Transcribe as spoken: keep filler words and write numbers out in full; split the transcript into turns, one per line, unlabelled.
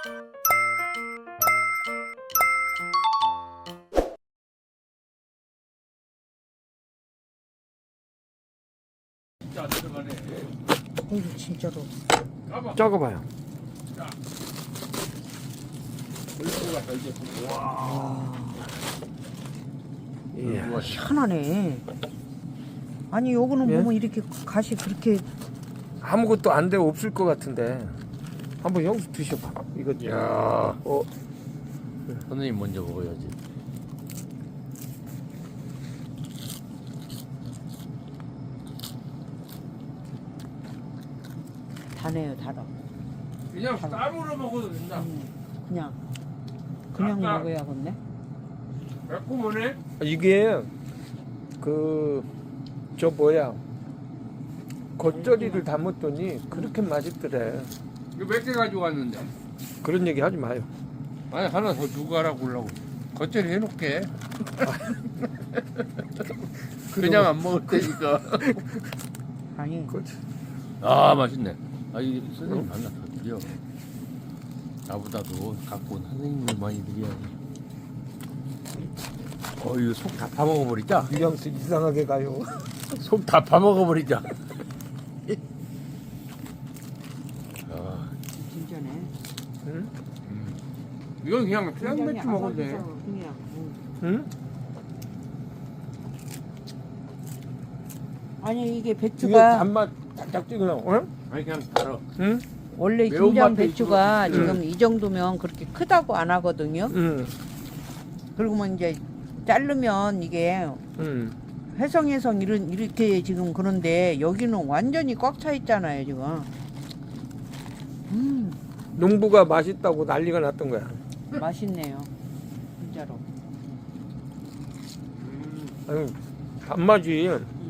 진짜 안 들어가네.
이거 진짜로.
적어봐요.
와,
예.
희한하네. 아니 요거는
예?
보면 이렇게 가시 그렇게
아무것도 안 돼 없을 것 같은데 한번 형수 드셔봐. 이거
야,
어,
선생님 먼저 먹어야지.
다네요, 달아.
그냥 쌈으로 먹어도 된다.
음, 그냥 그냥
아까-
먹어야겠네.
매콤하네.
이게 그 저 뭐야 겉절이를 담았더니 그렇게 맛있더래.
이거 몇 개 가지고 왔는데?
그런 얘기 하지 마요.
아니 하나 더 주고 가라고 그러려고. 겉절이 해놓게. 그냥 안 먹을 테니까.
아니
그렇지.
아 맛있네. 아 이 선생님 하나 더 드려. 나보다도 갖고 온 선생님이 많이 드려야지. 어 이거 속 다 파먹어버리자.
뉘앙스 이상하게 가요.
속 다 파먹어버리자. 아,
진짜네.
응?
이건 그냥 그냥
굉장히
맥주 먹어도 돼.
아삭아삭 그냥. 음.
응?
아니 이게
이게
배추가
단맛 딱딱 찍으려고. 응?
아니 그냥 달아.
응?
원래
매운맛도
김장 배추가
있고.
지금 이 정도면 그렇게 크다고 안 하거든요.
응.
그리고만 이제 자르면 이게
응.
회성회성 이런 이렇게 지금 그런데 여기는 완전히 꽉 차 있잖아요 지금. 음
농부가 맛있다고 난리가 났던 거야.
맛있네요 진짜로.
아유, 단맛이